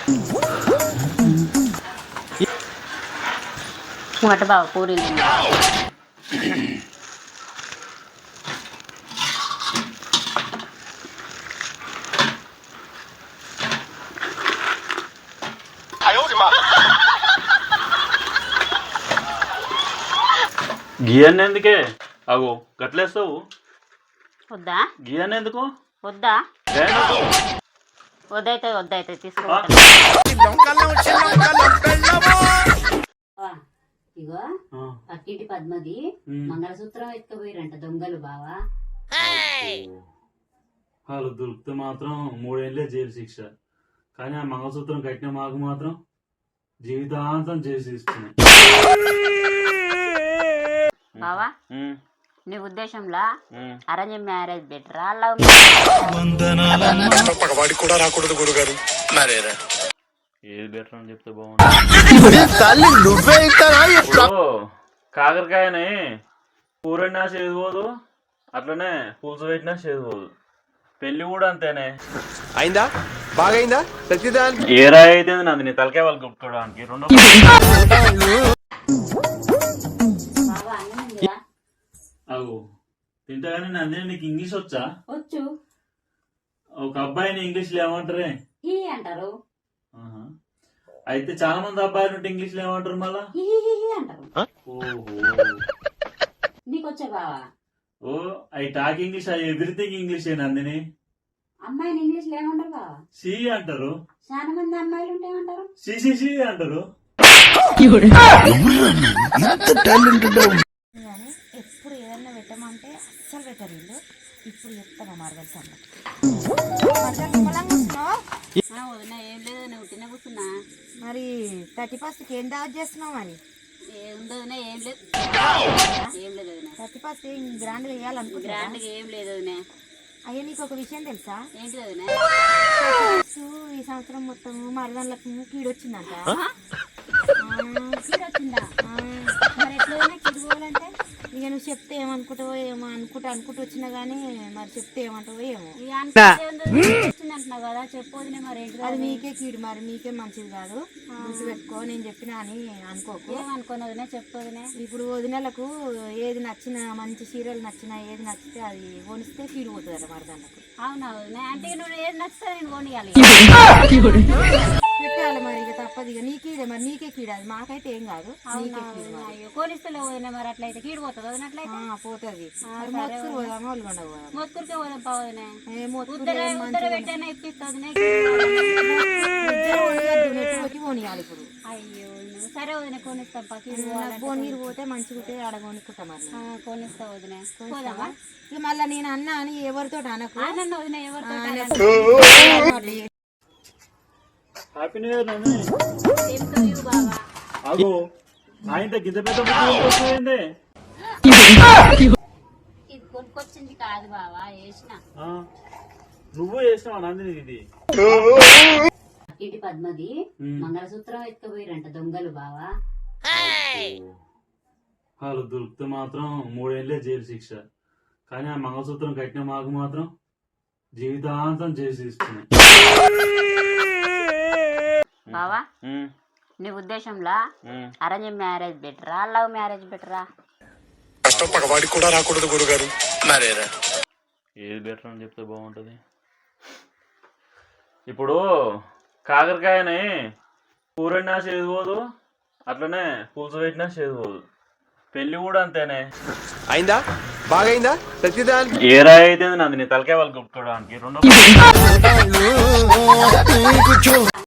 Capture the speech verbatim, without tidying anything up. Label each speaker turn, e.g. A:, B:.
A: మొట్ట బావ పూరీలు
B: గియన్ ఎందుకే అగో గట్లేస్తావు
A: వద్దా
B: గియన్ ఎందుకు
A: వద్దా
B: గేనెందుకు?
A: వద్దైతే వద్దైతే తీసుకో
B: ఆ?
A: ఇగో
B: ఆ.
A: పక్కింటి పద్మది
B: ఉమ్.
A: మంగళసూత్రం ఎత్తుకుపోయిరంట దొంగలు బావా
B: వాళ్ళు దొరికితే మాత్రం మూడేళ్లే జైలు శిక్ష కానీ ఆ మంగళసూత్రం కట్టిన మాకు మాత్రం జీవితాంతం జైలు ఇస్తున్నాయి.
A: బావా నీ ఉద్దేశంలో
B: ఉమ్.
A: అరేంజ్ మ్యారేజ్ బెటరా లవ్
C: పగవాడికి కూడా రాకూడదు గురుగారు మరేరా
B: ఏది బెటర్ అని చెప్తే బాగుంటుంది. ఇప్పుడు కాకరకాయని కూరన్నా చేదుకోదు అట్లనే పులుసు పెట్టినా చేదుకోదు. పెళ్లి కూడా అంతేనే
C: అయిందా బాగైందా ప్రతిదానికి
B: ఏ రాయి అయితే నాది నీ తలకాయ వాళ్ళు కొట్టుకోవడానికి రెండో
A: బావా అన్నం ఉందిరా?
B: అవు తింటా కానీ నందిని నీకు ఇంగ్లీష్ వచ్చా?
A: వచ్చు
B: ఒక అబ్బాయిని ఇంగ్లీష్ లో ఏమంటారే?
A: హీ అంటారు
B: ఆహా. అయితే చాలా మంది అబ్బాయిలు ఉంటే ఇంగ్లీష్ లో ఏమంటారు మళ్ళా?
A: హీ హీ హీ హీ అంటారు.
B: ఓహో
A: నీకొచ్చా బావా?
B: Oh I talk English I everything English ఏ నందిని.
A: అమ్మాయిని ఇంగ్లీష్ లో ఏమంటారు బావా?
B: సి అంటారు.
A: చాలా మంది అమ్మాయిలు ఉంటే ఏమంటారు?
B: సి సి సి అంటారు.
D: ఎప్పుడు ఏదన్నా పెట్టమంటే అస్సలు పెట్టరు వీళ్ళు. ఇప్పుడు చెప్తామా మార్గల్ సంగతి.
A: వదిన ఏం లేదు నువ్వు తిన కూర్చున్నా.
D: మరి థర్టీ ఫస్ట్కి ఏం దావత్ చేస్తున్నావు? మరి
A: ఏముంది వదిన ఏం లేదు ఏం లేదు వదిన.
D: థర్టీ ఫస్ట్ గ్రాండ్గా వేయాలనుకుంటున్నా.
A: గ్రాండ్గా ఏం లేదు వదిన.
D: అయ్యా నీకు ఒక విషయం తెలుసా?
A: ఏంటి వదిన?
D: ఈ సంవత్సరం మొత్తం మరదళ్ళకు కీడొచ్చిందంట.
A: కీడు వచ్చిందా?
D: మరి ఎట్లయినా కీడు పోవాలంటే ఇక నువ్వు చెప్తే ఏమనుకుంటావో ఏమో అనుకుంటా అనుకుంటూ వచ్చినా గానీ మరి చెప్తే ఏమంటావో ఏమో.
A: ఇక అనుకుంటే వచ్చింది అంటున్నావు కదా చెప్పు వదిన. మరి ఏంటి
D: అది మీకే కీడు, మరి మీకే మంచిది కాదు. గుర్తు పెట్టుకో, నేను చెప్పినా అని అనుకోకు.
A: ఏమనుకోను వదిన చెప్పు వదిన.
D: ఇప్పుడు వదినలకు ఏది నచ్చినా, మంచి సీరియల్ నచ్చినా, ఏది నచ్చితే అది కొనిస్తే కీడు పోతుంది అట మరదళ్ళకు.
A: అవునా వదిన? అంటే నువ్వు ఏది నచ్చితే నేను కొనియాలి.
D: పెట్టాలి మరి, ఇక తప్పదు. ఇక నీకీడే, మరి నీకే కీడు, అది మాకైతే ఏం కాదు. నీకే కీడు మరి.
A: అయ్యో కొనిస్తలే వదిన. మరి అట్లయితే కీడు పోతుంది వదిన. అట్లయితే
D: ఆ, పోతుంది. మరి మొత్తుకు పోదామా ఒళ్ళుగొండ పోదాం?
A: మొత్తురికే పోదాం పా వదిన.
D: ఏ మొత్తుకు
A: ఉత్తర
D: ఏం
A: ఉత్తర
D: మంచిగా
A: పెట్టైనా ఇప్పిస్తుంది.
D: నెట్టుకోకి పోనీయాలి ఇప్పుడు.
A: అయ్యో నువ్వు సరే వదిన కొనిస్తాం పా. కీడు
D: పోనీరు పోతే మంచిగా ఉంటే ఆడ కొనుక్కుంటా మరి.
A: కొనిస్తా వదిన. పోదామా?
D: ఇక మళ్ళీ నేను అన్నా అని ఎవరితో అనకు.
A: ఆనంద వదిన ఎవరితో
B: హ్యాపీ న్యూ ఇయర్ నందిని.
A: చెప్తావు ఇవ్వు బావా.
B: అగో ఆయన గింత పెద్ద బుద్ధి
A: ఇది కొనుక్కొచ్చింది కాదు బావా, వేసిన.
B: నువ్వు చేసినావా నందిని ఇది?
A: ఇటు పద్మది మంగళసూత్రం ఎత్తుకుపోయిరంట దొంగలు బావా.
B: వాళ్ళు దొరికితే మాత్రం మూడేళ్లే జైలు శిక్ష కానీ ఆ మంగళసూత్రం కట్టిన మాకు మాత్రం జీవితాంతం జైలు ఇస్తున్నాయి.
A: బావా నీ ఉద్దేశంలో అరేంజ్ మ్యారేజ్ బెటరా లవ్ మ్యారేజ్ బెటరా?
C: కష్టం పగవాడికి కూడా రాకూడదు గురుగారు మరేరా
B: ఏది బెటర్ అని చెప్తే బాగుంటుంది. ఇప్పుడు కాకరకాయని కూరన్నా చేదుకోదు అట్లనే పులుసు పెట్టినా చేదుకోదు. పెళ్లి కూడా అంతేనే
C: అయిందా బాగైందా ప్రతిదానికి
B: ఏ రాయి అయితే నాది నీ తలకాయ వాళ్ళు కొట్టుకోవడానికి రెండో